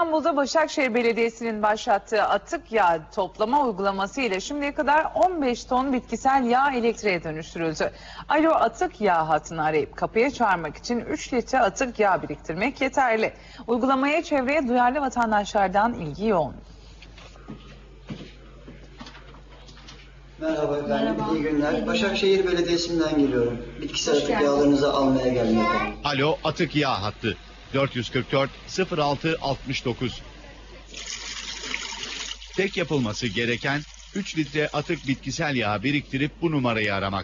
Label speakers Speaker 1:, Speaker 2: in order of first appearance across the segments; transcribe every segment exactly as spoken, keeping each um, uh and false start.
Speaker 1: İstanbul'da Başakşehir Belediyesi'nin başlattığı atık yağ toplama uygulaması ile şimdiye kadar on beş ton bitkisel yağ elektriğe dönüştürüldü. Alo atık yağ hattını arayıp kapıya çağırmak için üç litre atık yağ biriktirmek yeterli. Uygulamaya çevreye duyarlı vatandaşlardan ilgi yoğun.
Speaker 2: Merhaba, ben Merhaba. iyi günler. Başakşehir Belediyesi'nden geliyorum. Bitkisel atık yağlarınızı almaya geldim efendim.
Speaker 3: Alo atık yağ hattı dört yüz kırk dört sıfır altı altmış dokuz. Tek yapılması gereken üç litre atık bitkisel yağ biriktirip bu numarayı aramak.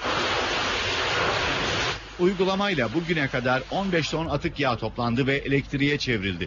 Speaker 3: Uygulamayla bugüne kadar on beş ton atık yağ toplandı ve elektriğe çevrildi.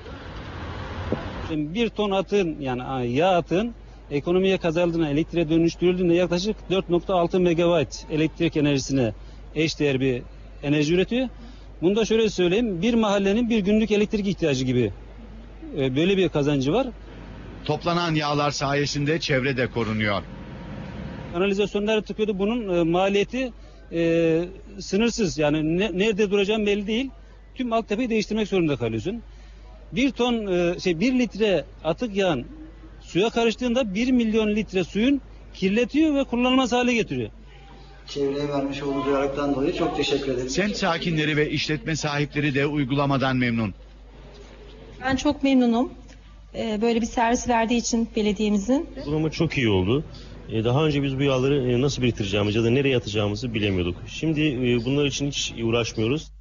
Speaker 4: Bir ton atın yani yağ atın ekonomiye kazandığına, elektriğe dönüştürüldüğünde yaklaşık dört nokta altı megawatt elektrik enerjisine eşdeğer bir enerji üretiyor. Bunu da şöyle söyleyeyim, bir mahallenin bir günlük elektrik ihtiyacı gibi böyle bir kazancı var.
Speaker 3: Toplanan yağlar sayesinde çevre de korunuyor.
Speaker 4: Kanalizasyonları tıkıyordu. Bunun maliyeti e, sınırsız. Yani ne, nerede duracağım belli değil. Tüm altyapıyı değiştirmek zorunda kalıyorsun. Bir ton e, şey bir litre atık yağın suya karıştığında bir milyon litre suyun kirletiyor ve kullanılmaz hale getiriyor.
Speaker 2: Çevreye vermiş olduğu duyarlılıktan dolayı çok teşekkür ederim.
Speaker 3: Semt sakinleri ve işletme sahipleri de uygulamadan memnun.
Speaker 5: Ben çok memnunum. Böyle bir servis verdiği için belediyemizin.
Speaker 6: Uygulama çok iyi oldu. Daha önce biz bu yağları nasıl biriktireceğimizi ya da nereye atacağımızı bilemiyorduk. Şimdi bunlar için hiç uğraşmıyoruz.